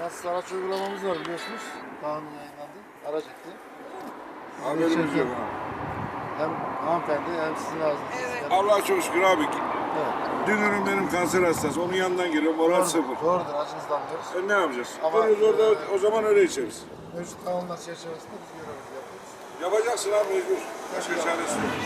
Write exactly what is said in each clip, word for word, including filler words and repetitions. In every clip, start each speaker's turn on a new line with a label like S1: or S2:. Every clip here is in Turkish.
S1: Dumansız araç uygulamamız var biliyorsunuz. Kanun yayınlandı. Araç etti.
S2: Haberimiz yok ha.
S1: Hem hanımefendi hem sizin ağzınızda.
S3: Evet.
S2: Allah'a çok şükür abi.
S1: Evet.
S2: Dünürüm benim kanser hastası. Onun yanından giriyorum. Moral
S1: Doğrudur,
S2: sıfır.
S1: doğrudur. Acınızdan anlıyoruz.
S2: E ne yapacağız?
S1: Ama-
S2: Ama orada o zaman öyle içeriz.
S1: Mevcut kanunlar çerçevesinde biz görevimizi yapıyoruz.
S2: Yapacaksın abi mecbur. Başka çaresi yok.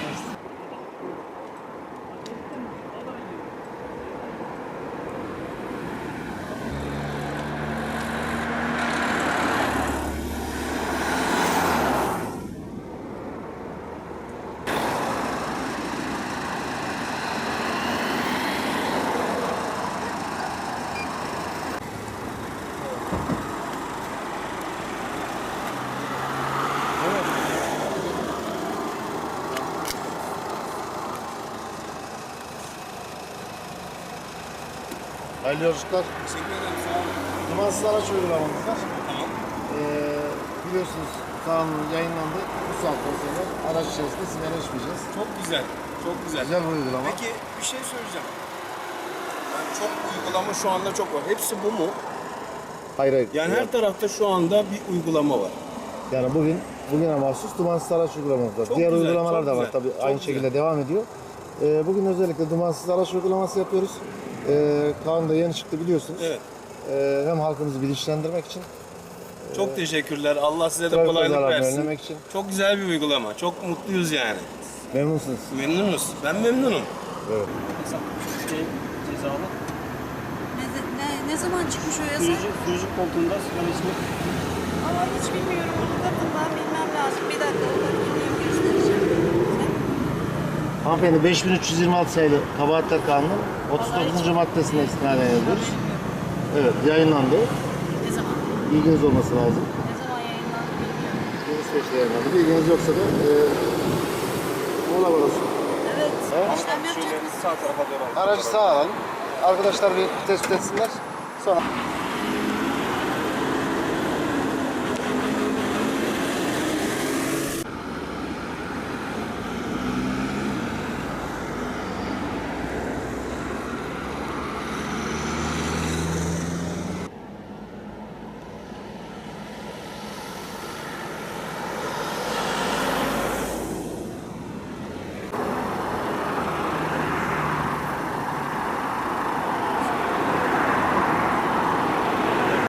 S1: Hayırlı yolculuklar.
S4: Teşekkür ederim. Sağ olun.
S1: Dumansız araç uygulamamız var.
S4: Tamam.
S1: Ee, biliyorsunuz kanun yayınlandı. Bu saatten sonra araç içerisinde sigara içmeyeceğiz.
S4: Çok güzel. Çok güzel.
S1: Güzel bir uygulama.
S4: Peki bir şey söyleyeceğim. Yani çok uygulama şu anda çok var. Hepsi bu mu?
S1: Hayır hayır.
S4: Yani her tarafta şu anda bir uygulama var.
S1: Yani bugün bugüne mahsus dumansız araç uygulamamız var.
S4: Çok
S1: Diğer
S4: güzel,
S1: uygulamalar
S4: çok
S1: da var
S4: güzel,
S1: tabii
S4: çok
S1: aynı
S4: güzel.
S1: şekilde devam ediyor. Ee, bugün özellikle dumansız araç uygulaması yapıyoruz. Ee, kanun da yeni çıktı biliyorsunuz.
S4: Evet.
S1: Ee, hem halkımızı bilinçlendirmek için,
S4: Çok teşekkürler. Allah size de
S1: trafik
S4: kolaylık
S1: kazalarını
S4: versin.
S1: önlemek için.
S4: Çok güzel bir uygulama. Çok mutluyuz yani.
S1: Memnunsunuz.
S4: Memnunuz. Ben memnunum.
S1: Evet.
S5: Şey, cezalı.
S3: Ne, ne, ne zaman çıkmış o yasa?
S5: Sürücü, sürücü koltuğunda sigara içmek.
S3: Ama hiç bilmiyorum. Onu kadından bilmem lazım. Bir dakika onu gideyim göstereceğim.
S1: Hanımefendi beş bin üç yüz yirmi altı sayılı Kabahatler Kanunu otuz dokuzuncu maddesine istinaden yazıyoruz. Evet, yayınlandı.
S3: Ne zaman?
S1: Bilginiz olması lazım.
S3: Ne zaman yayınlandı bilmiyorum.
S1: Yeni süreçte yayınlandı. Bilginiz yoksa da e, mola varası.
S3: Evet.
S1: Evet.
S3: İşlem yapacak mısın?
S4: Sağ tarafa doğru.
S1: Aracı sağa alalım. Arkadaşlar bir tespit etsinler. Sonra